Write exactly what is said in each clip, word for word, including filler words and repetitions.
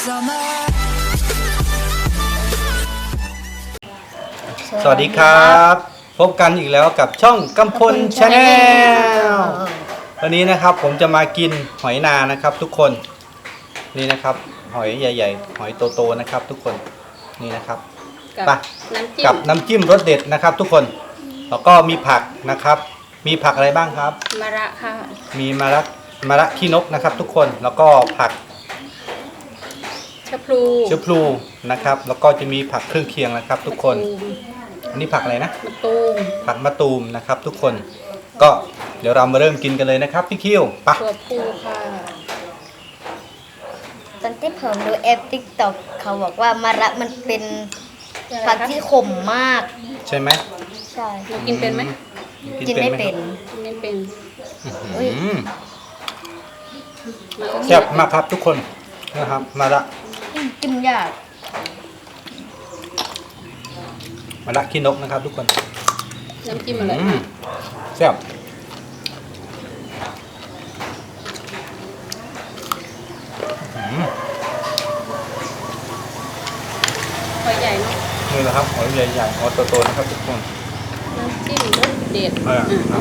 summer สวัสดีครับพบกันอีกแล้วกับช่องกำพลชาแนลวันนี้นะครับผมจะมากินหอยนานะครับทุกคนนี่นะครับหอยใหญ่ๆหอยโตๆนะครับทุกคนนี่นะครับไปกับน้ำจิ้มรสเด็ดนะครับทุกคนแล้วก็มีผักนะครับมีผักอะไรบ้างครับมะระค่ะมีมะระมะระขี้นกนะครับทุกคนแล้วก็ผักชะพลูชะพลูนะครับแล้วก็จะมีผักเครื่องเคียงนะครับทุกคนอันนี้ผักอะไรนะมะตูมผักมะตูมนะครับทุกคนก็เดี๋ยวเรามาเริ่มกินกันเลยนะครับพี่คิวปะถั่วพูค่ะตอนที่ผมดูแอปติ๊กต็อกเขาบอกว่ามะระมันเป็นผักที่ขมมากใช่ไหมใช่หนูกินเป็นไหมกินไม่เป็นกินไม่เป็นแซ่บมากครับทุกคนนะครับมะระกินยากมะระขี้นกนะครับทุกคนน้ำจิ้มอะไรแซ่บหอยใหญ่เนาะนี่แหละครับหอยใหญ่ๆหอยโตๆนะครับทุกคนน้ำจิ้มรสเด็ดอ่าครับ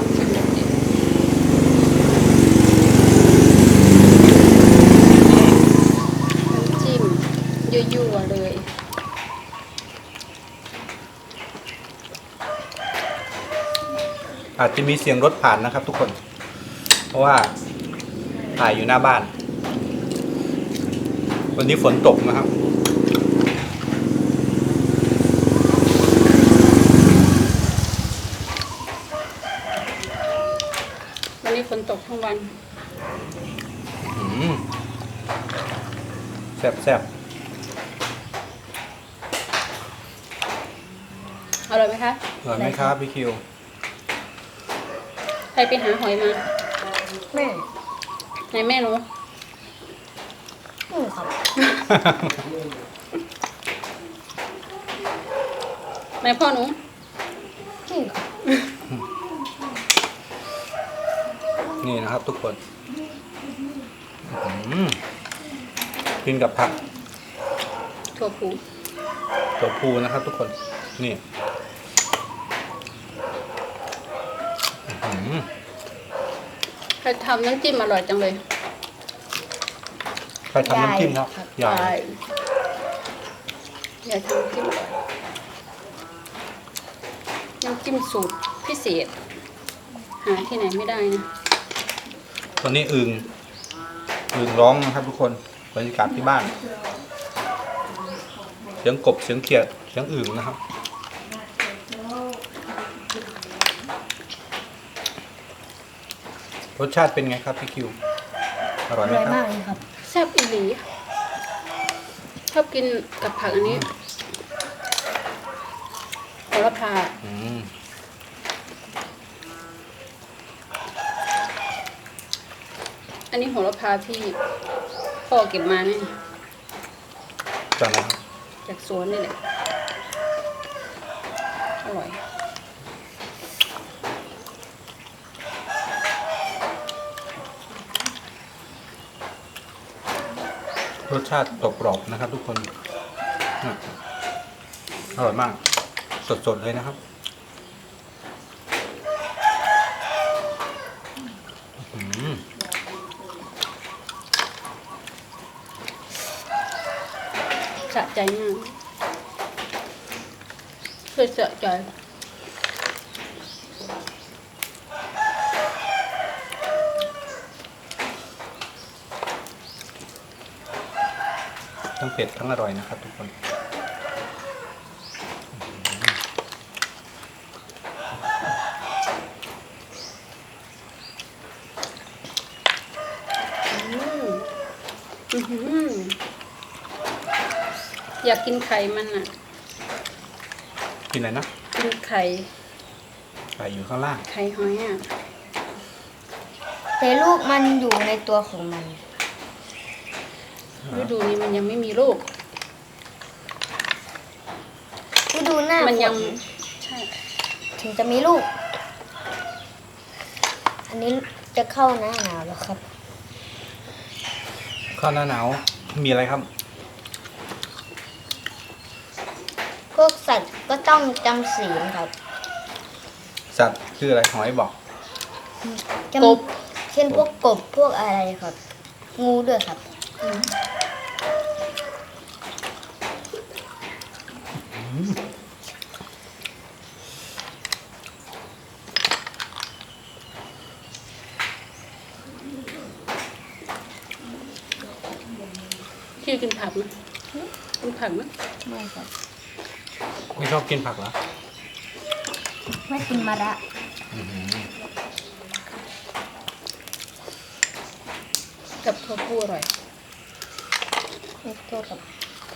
น้ำจิ้มยั่วๆเลยอาจจะมีเสียงรถผ่านนะครับทุกคนเพราะว่าถ่ายอยู่หน้าบ้านวันนี้ฝนตกนะครับวันนี้ฝนตกทั้งวันแซ่บแซ่บอร่อยไหมคะอร่อยไหมครับพี่คิวใครไปหาหอยมาแม่ไหนแม่หนูหนูครับไหนพ่อหนูนี่ครับนี่นะครับทุกคนกินกับผักถั่วพูถั่วพูนะครับทุกคนนี่ใครทำน้ำจิ้มอร่อยจังเลยใครทำน้ำจิ้มครับใหญ่ใหญ่ทำน้ำจิ้มอร่อยน้ำจิ้มสูตรพิเศษหาที่ไหนไม่ได้นะตอนนี้อึ่งอึ่งร้องนะครับทุกคนบรรยากาศที่บ้านเสียงกบเสียงเขียดเสียงอึ่งนะครับรสชาติเป็นไงครับพี่คิวอร่อยไหมครับอร่อยมากเลยครับแซ่บอีหลีชอบกินกับผักอันนี้โหระพาอันนี้โหระพาที่พ่อเก็บมาเนี่ยจากไหนจากสวนนี่แหละอร่อยรสชาติกรอบๆนะครับทุกคนอร่อยมากสดๆเลยนะครับสะใจมากเคยสะใจทั้งเผ็ดทั้งอร่อยนะครับทุกคนอยากกินไข่มันอ่ะกินอะไรนะกินไข่ไข่อยู่ข้างล่างไข่หอยอ่ะแต่ลูกมันอยู่ในตัวของมันฤดูนี้มันยังไม่มีลูกฤดูหน้ามันยังใช่ถึงจะมีลูกอันนี้จะเข้าหน้าหนาวแล้วครับเข้าหน้าหนาวมีอะไรครับต้องจำศีลครับสัตว์คืออะไรหอยบอกจำกบเช่นพวกกบพวกอะไรครับ งูด้วยครับพี่กินผักไหมกินผักไหมไม่ครับไม่ชอบกินผักเหรอไม่กินมะระกับข้าวคั่วอร่อยไม่โทษครับ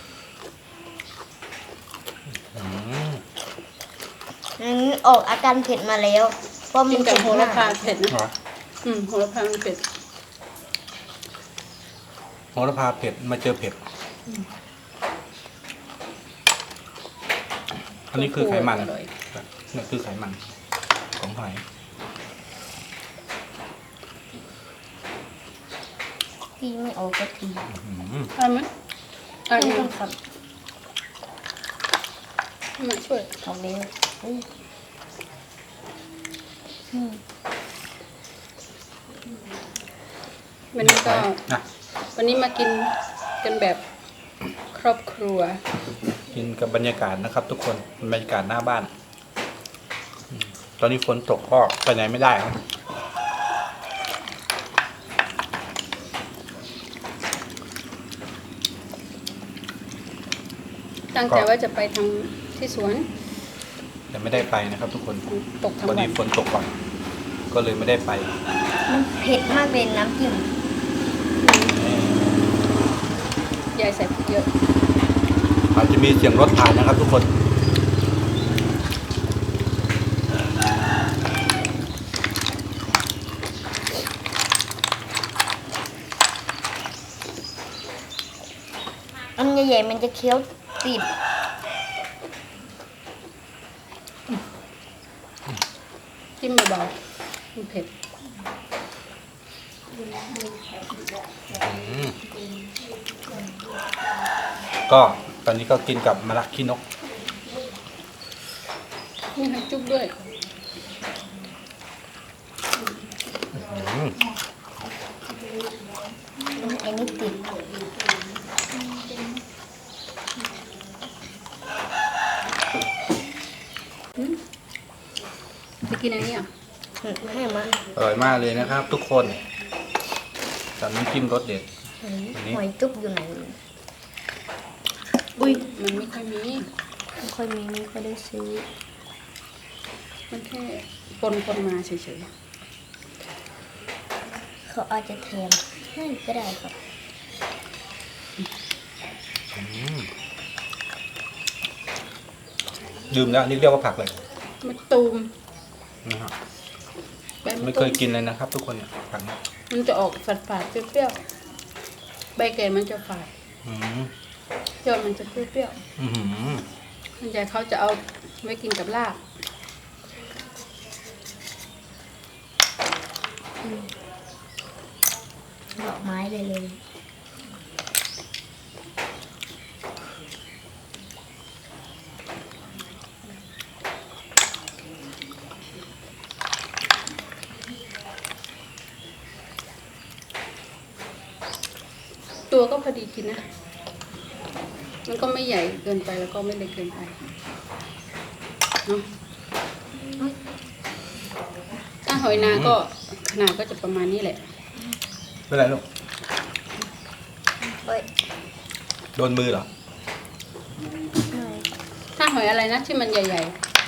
อืมอันนี้ออกอาการเผ็ดมาแล้วเพราะมักินนกับโหระพาเผ็ดมากเผ็ดนะเหรออืมโหระพามันเผ็ดโหระพาเผ็ดมาเจอเผ็ด อันนี้คือไขมันอร่อยนี่คือไขมันของหอยที่ไม่ออกก็ทีอืมเอาไหมเอาไม่ไหมต้องครับมาช่วยออกเร็วอุ้ยอืมวันนี้ก็นะวันนี้มากินกันแบบครอบครัวกินกับบรรยากาศนะครับ ทุกคนบรรยากาศหน้าบ้านอืมตอนนี้ฝนตกก็ไปไหนไม่ได้ครับตั้งใจว่าจะไปทำที่สวนแต่ไม่ได้ไปนะครับ ทุกคนตกทั้งวันวันี้นฝนตกก่อนก็เลยไม่ได้ไปมันเผ็ดมากเป็นน้ำจิ้มยายใส่พริกเยอะอาจจะมีเสียงรถผ่านนะครับ ทุกคนอันใหญ่ๆมันจะเคี้ยวติดจิ้มเบาๆมันเผ็ดก็ตอนนี้ก็กินกับมะระขี้นกนี่ให้จุ๊บด้วยอืมไอ้นี่ติดจะกินอันนี้อ่ะให้มาอร่อยมากเลยนะครับ ทุกคนกับน้ำจิ้มรสเด็ด อันนี้หอยจุ๊บอยู่ไหนอุ้ยมันไม่ค่อยมีไม่ค่อยมีไม่ค่อยได้ซื้อมันแค่ปนปนมาเฉยเขาอาจจะแถมให้ก็ได้ครับดื่มแล้วนี่เรียกว่าผักเลยๆมะตูมนะครับใบมะไม่ตูเคมยกินเลยนะครับ ทุกคนเนี่ยผักนี้มันจะออกฝาดๆเปรี้ยวๆใบแก่มันจะฝาดอืมยอดมันจะเปรี้ยวอือหือๆมันใหญ่เขาจะเอาไว้กินกับลาบดอกไม้เลยเลยตัวก็พอดีกินนะ มันก็ไม่ใหญ่เกินไปแล้วก็ไม่เล็กเกินไปเนาะถ้าหอยนาก็ขนาดก็จะประมาณนี้แหละเป็นไรลูกเฮ้ยโดนมือเหรอถ้าหอยอะไรนะที่มันใหญ่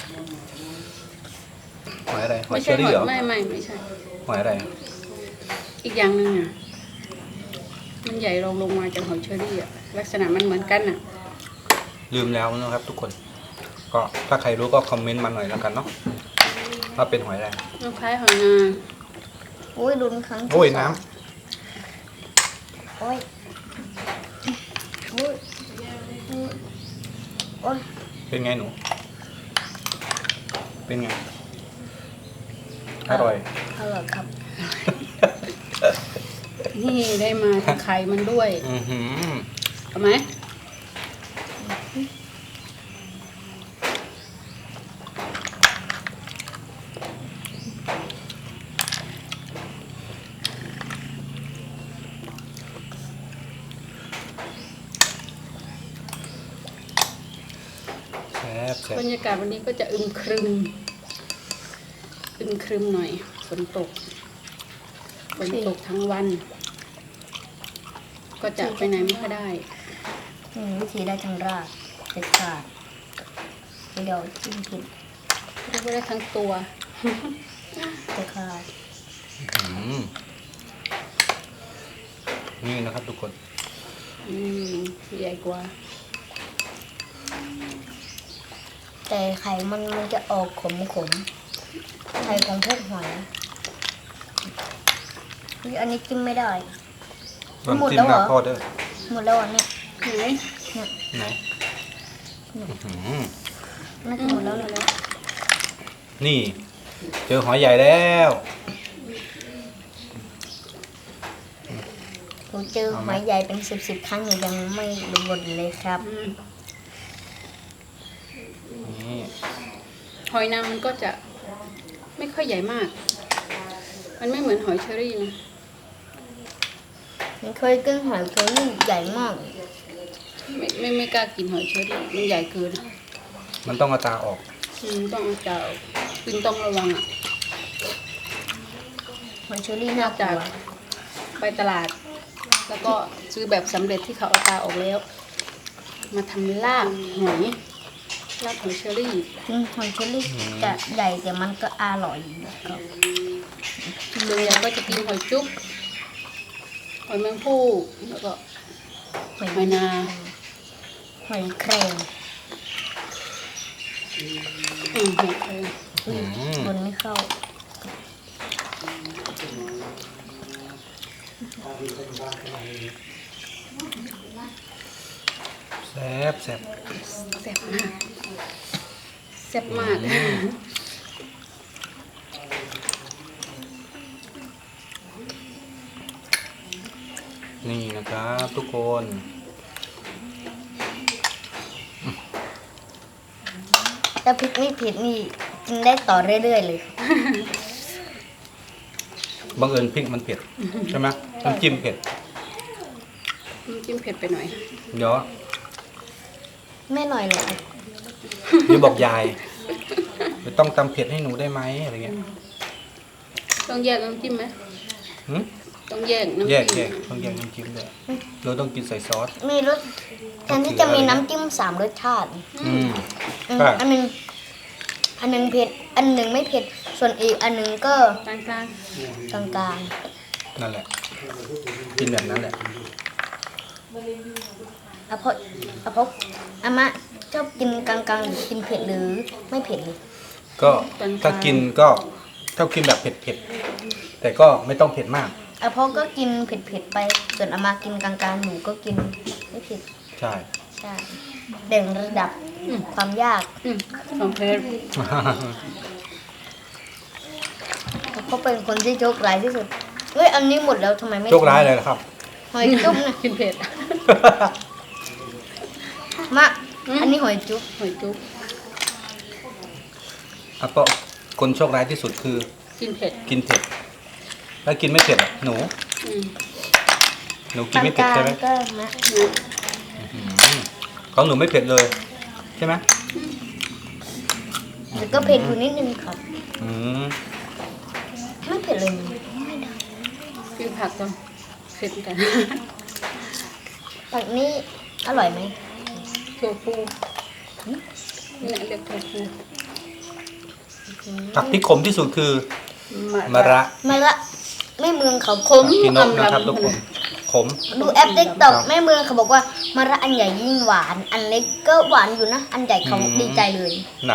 หอยอะไรๆหอยไม่เชใช่อหรี่อยเหรอไม่ไม่ไม่ใช่หอยอะไรอีกอย่างหนึ่งอ่ะ มันใหญ่รองลงมาจากหอยเชอรี่อ่ะ ลักษณะมันเหมือนกันอ่ะลืมแล้วนะครับ ทุกคน ก็ถ้าใครรู้ก็คอมเมนต์มาหน่อยแล้วกันเนาะว่าเป็นหอยอะไรมันคล้ายหอยนาโอ้ยรุนครั้งที่โอ้ยสงน้โอ้ยโอ้ยโอ้ยำเป็นไงหนู เป็นไง อร่อยอร่อยครับนี่ได้มาจากไข่มันด้วยอือหือเอาไหมซ่บบรรยากาศวันนี้ก็จะอึมครึมอึมครึมหน่อยฝนตกฝนตกทั้งวัน ก็จะไปไหนไม่ค่อยได้อืมวิธีได้ทั้งรากเด็ดขาดเดี๋ยวจิ้มผิดเรียกว่าได้ทั้งตัวเด็ดขาดอืมนี่นะครับทุกคนอืมใหญ่กว่าแต่ไข่มันมันจะออกขมขมๆไข่ของพวกหอยอุ๊ยอันนี้จิ้มไม่ได้ตอนหมดจิ้แล้มวหเหรน้าอพ่อเด้อหมดแล้วอันเนี้ยไหนไหนอื้อหือน่าจะหมดแล้วเลยนี่ เจอหอยใหญ่แล้วผมเจอหอยใหญ่เป็นสิบสิบครั้งหนูยังไม่รู้หมดเลยครับอืมนี่หอยนางมันก็จะไม่ค่อยใหญ่มาก มันไม่เหมือนหอยเชอรี่นะมันเคยกินหอยเชอรี่ใหญ่มากไม่ไม่ไม่กล้ากินหอยเชอรี่มันใหญ่เกินมันต้องเอาตาออกอืมต้องเอาจ่าปินต้องระวังอ่ะหอยเชอรี่น่ากลัจากวไปตลาด แล้วก็ซื้อแบบสำเร็จที่เขาเอาตาออกแล้ว มาทำลาบหอยลาบหอยเชอรี่ถึงหอยเชอรี่จะใหญ่แต่มันก็อร่อยครับส่วนใหญ่ก็จะกินหอยจุ๊บหอยแมงภู่แล้วก็หอยหอยนาหอยแครงอืมหอยแครงอุ้ยอืมบนไม่เข้าแซ่บแซ่บแซ่บมากแซ่บมากนี่นะครับทุกคนถ้าพริกไม่เผ็ดนี่กินได้ต่อเรื่อยๆเลยบังเอิญพริกมันเผ็ดใช่ไหมน้ำจิ้มเผ็ดน้ำจิ้มเผ็ดไปหน่อยเดี๋ยวไม่หน่อยเลยนี่บอกยายไม่ต้องตำเผ็ดให้หนูได้ไหมอะไรเงี้ยต้องแยกน้ำจิ้มไหมหืมต้องแยกน้ำแยกจิ้มแยกต้องแยกน้ำจิ้มด้วยเราต้องกินใส่ซอสมีรสแทนที่จะมีน้ำจิ้มสามรสชาติอืมอืมใช่อันหนึงอันหนึงเผ็ด อันหนึ่งไม่เผ็ด ส่วนอีกอันหนึงก็กลางกลางกลางนั่นแหละ กินแบบนั้นแหละๆอะเพราะอะเพราะอามะชอบกินกลางๆหรือกินเผ็ดหรือไม่เผ็ดเลยก็ถ้ากินก็ถ้ากินแบบเผ็ดๆแต่ก็ไม่ต้องเผ็ดมากอะเพราะก็กินเผ็ดๆไป ส่วนอามากินกลางๆหนูก็กินไม่เผ็ดใช่ใช่เด่งระดับความยากอืมของเพชรเขาเป็นคนที่โชคร้ายที่สุด เฮ้ย อันนี้หมดแล้วทำไมไม่โชคร้ายเลยนะครับหอยจุ๊บนะกินเผ็ดมาอืมอันนี้หอยจุ๊บหอยจุ๊บอ่ะก็คนโชคร้ายที่สุดคือกินเผ็ดกินเผ็ดถ้ากินไม่เผ็ดอ่ะหนูอืมหนูกินไม่เผ็ดใช่ไหมก็นะอืมของหนูไม่เผ็ดเลย ใช่ไหมแต่ก็เผ็ดอยู่นิดนึงครับอืมไม่เผ็ดเลยกินผักก่อนเผ็ดเหมือนกันผักนี้อร่อยไหมถั่วพูนี่แหละเรียกถั่วพูผักที่ขมที่สุดคือมะมะระมาละแม่เมืองเขาขมกินนกอำนะครับลำทุกคนขมดูแอปติ๊กต็อกครับแม่เมืองเขาบอกว่ามาละอันใหญ่ยิ่งหวาน อันเล็กก็หวานอยู่นะ อันใหญ่เขาอืมดีใจเลยน่ะ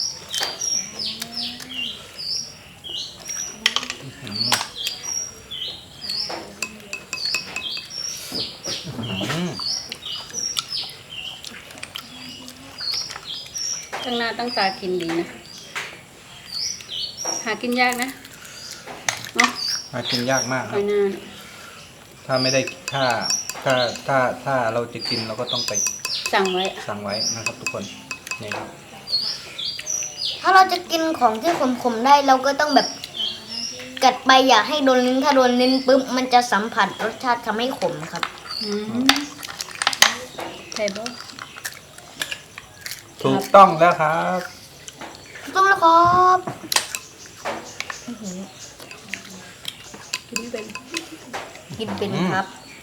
อืมตั้งหน้าตั้งตากินดีนะ หากินยากนะเนาะหากินยากมากหครัอบ ยนางถ้าไม่ได้ถ้าถ้าถ้าถ้าเราจะกินเราก็ต้องไปสั่งไว้สั่งไว้นะครับ ทุกคนนี่ครับถ้าเราจะกินของที่ขมๆได้เราก็ต้องแบบกัดไปอย่าให้โดนลิ้นถ้าโดนลิ้นปุ๊บมันจะสัมผัสรสชาติทำให้ขมครับอืมเผ็ดบ่ถูกต้องแล้วครับต้องแล้วครับกินไม่เป็นกินเป็นครับ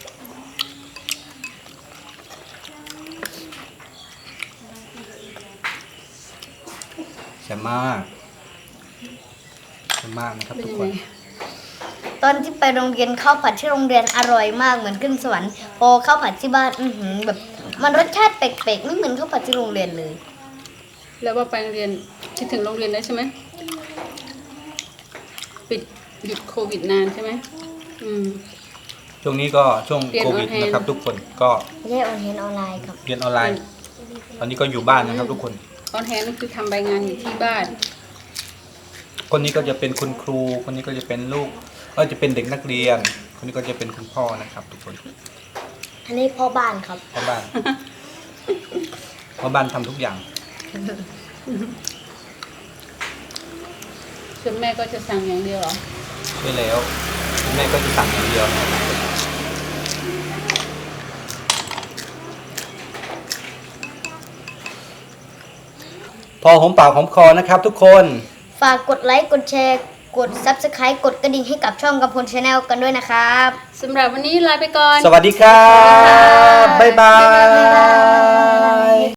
แซ่บมากแซ่บมากนะครับเป็นทุกยังคไงนตอนที่ไปโรงเรียนข้าวผัดที่โรงเรียนอร่อยมากเหมือนขึ้นสวรรค์พอข้าวผัดที่บ้านอือหือแบบมันรสชาติแปลกๆไม่เหมือนข้าวผัดที่โรงเรียนเลยแล้วว่าไปโรงเรียนคิดถึงโรงเรียนแล้วใช่ไหมปิดหยุดโควิดนานใช่ไหมอืมช่วงนี้ก็ช่วงเรียนโควิดออนไลน์นะครับ ทุกคนก็ไม่ใช่ออนเทนออนไลน์ครับเรียนออนไลน์ ตอนนี้ก็อยู่บ้านนะครับ ทุกคนออนแฮนด์คือทำใบงานอยู่ที่บ้านคนนี้ก็จะเป็นคุณครู คนนี้ก็จะเป็นลูกก็จะเป็นเด็กนักเรียน คนนี้ก็จะเป็นคุณพ่อนะครับ ทุกคนอันนี้พ่อบ้านครับพ่อบ้าน พ่อบ้านทำทุกอย่างส่วนแม่ก็จะสั่งอย่างเดียวเหรอใช่แล้วแม่ก็จะสั่งอย่างเดียว พอหอมปากหอมคอนะครับ ทุกคนฝากกดไลค์กดแชร์กด ซับสไครบ์ กดกระดิ่งให้กับช่องกำพลชาแนลกันด้วยนะครับสำหรับวันนี้ลาไปก่อนสวัสดีครับ บ๊ายบาบ๊ายบายย